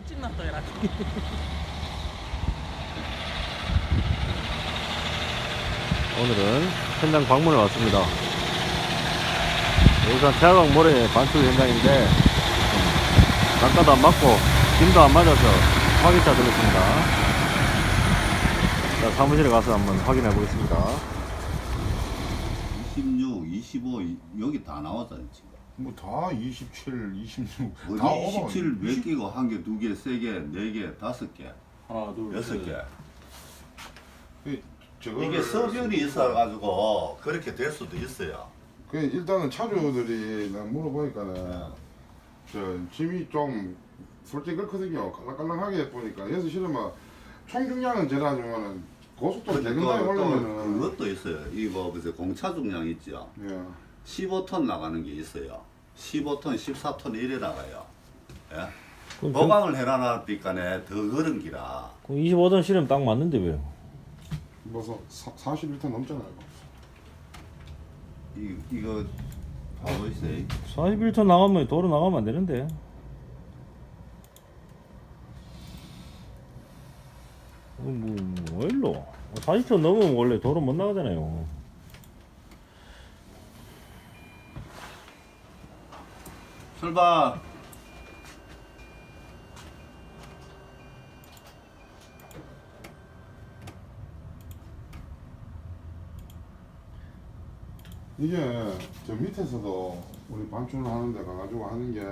찍나 또 해라. 오늘은 현장 방문에 왔습니다. 여기가 태화강 모래 반출 현장인데 단가도 안 맞고 김도 안 맞아서 화기차 들었습니다. 자, 사무실에 가서 한번 확인해 보겠습니다. 26, 25 여기 다 나왔잖아 지금. 뭐 다 27, 26. 어디 다 27 몇 개고 한 개, 두 개, 세 개, 네 개, 다섯 개, 하나, 둘, 여섯 개. 저거를 이게 서변이 있어가지고 그렇게 될 수도 있어요. 그 일단은 차주들이 나 물어보니까는 저 짐이 좀 솔직히 그렇거든요. 깔랑깔랑하게 보니까 여기서 실으면 총중량은 제라지만은 고속도로 대근당에 올리면은 그것도 있어요. 이거 그래서 공차 중량 있죠. 예. 15톤 나가는 게 있어요. 15톤, 14톤 이래 나가요. 예? 그럼 보강을 해놔놨니까네 더 그런 기라. 25톤 실으면 딱 맞는데 왜요? 뭐서 41톤 넘잖아요. 이거 봐보 있어요. 41톤 나가면 도로 나가면 안 되는데. 뭐 일로 40톤 넘으면 원래 도로 못 나가잖아요. 출발. 이게 저 밑에서도 우리 반출을 하는데 가가지고 하는 게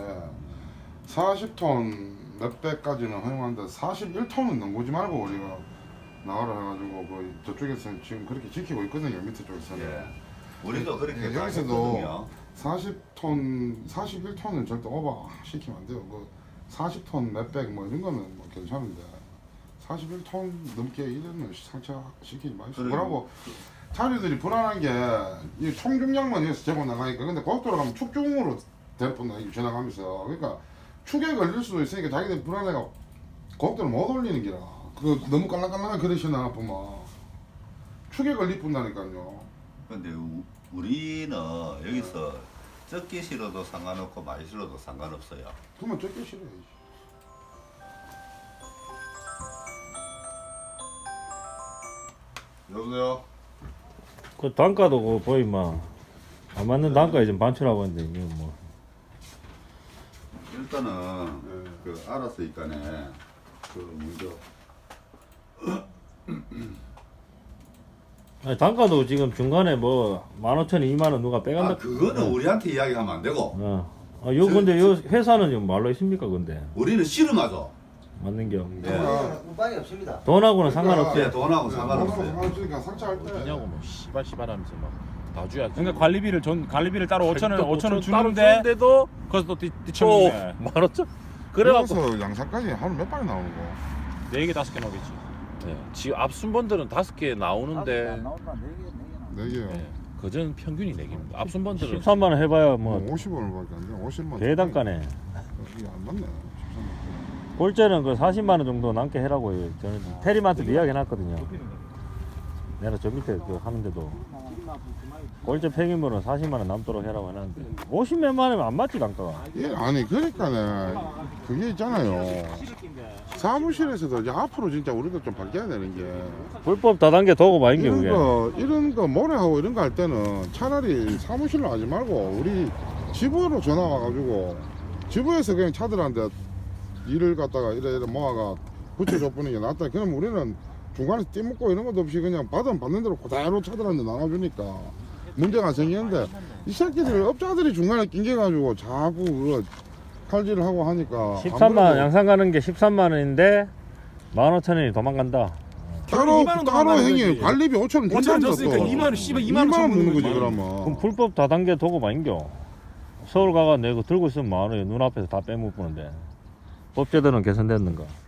40톤 몇백까지는 허용하는데 41톤은 넘보지 말고 우리가 나가라 해가지고 그 저쪽에서는 지금 그렇게 지키고 있거든요. 밑에 쪽에서는. 예. 우리도 그렇게 예, 다 여기서도 했거든요. 40톤, 41톤은 절대 오버 시키면 안 돼요. 그 40톤 몇백 뭐 이런 거는 뭐 괜찮은데 41톤 넘게 이러면 상처 시키지 마시고. 그래요. 그러고 차주들이 불안한 게 이 총중량만 해서 제고 나가니까 근데 고속도로 가면 축중으로 대포나 지나가면서 그러니까 축에 걸릴 수도 있으니까 자기들 불안해가 고속도로 못 올리는 기라. 그 너무 깔랑깔랑한 그릇이나 보면 축에 걸릴 뿐다니까요. 근데 우리는 여기서 적게 실어도 상관없고 많이 실어도 상관없어요. 그러면 적게 싫어야지. 여보세요? 그 단가도 그 보이면 안 맞는 단가에 좀 반출하고 있는데 이거 뭐. 일단은 네. 그 알았으니까네 그 먼저 아니, 단가도 지금 중간에 뭐 15,000원, 2만원 누가 빼간다. 아 그거는 우리한테 이야기하면 안 되고 요 근데 요 회사는 좀 말로 있습니까 근데 우리는 실험하죠. 맞는 겨. 예. 운반이 없습니다. 돈하고는 상관없어요. 예, 돈하고 상관없어요. 상관없으니까 상처할 때. 뭐냐고 뭐 씨발 하면서 막 다 줘야지. 그러니까 관리비를 따로 5,000원, 5,000원 따로 주는데 주는데도 거기서 또 뒤쳐먹네. 10,000원. 그래서 그래갖고 양산까지 하루 몇 발이 나오는 거? 4개, 5개 나오겠지. 네, 지금 앞순번들은 5개 나오는데 나온다. 네 개. 네 개요. 네, 그전 평균이 4개입니다. 앞순번들은 13만원 해봐야 뭐 50원밖에 안 돼. 50만. 대단가네. 이게 안 맞네. 골재는 그 40만원 정도 남게 해라고요. 저는 테리마트도 이야기 해놨거든요. 내가 저 밑에 그 하는데도 골재 폐기물은 40만원 남도록 해라고 해놨는데 50몇만 원이면 안 맞지 단가가. 예, 아니 그러니까네 그게 있잖아요. 사무실에서도 이제 앞으로 진짜 우리도 좀 바뀌어야 되는 게 불법 다단계 도구 많은 게 그게. 이런 거 모래하고 이런 거 할 때는 차라리 사무실로 하지 말고 우리 지부로 전화 와가지고 지부에서 그냥 차들한테 일을 갖다가 이래 모아가 붙여줘 보는 게 낫다. 그럼 우리는 중간에서 띠먹고 이런 것도 없이 그냥 받으면 받는 대로 그대로 차들한테 나눠주니까 문제가 생기는데 이 새끼들 업자들이 중간에 낑겨가지고 자꾸 그거 칼질을 하고 하니까 13만원 양산 가는 게 13만원인데 15,000원이 도망간다. 따로 2만 원 따로 나가는 행위 거지. 관리비 5,000원 원천 줬다니까 줬으니까 또 2만 원, 씨발 2만 2만 원 먹는 거지 거지. 그러면. 그럼 불법 다단계 도구 많은겨. 서울 가가 내가 들고 있으면 만원에 눈앞에서 다 빼먹는데 법제도는 개선됐는가.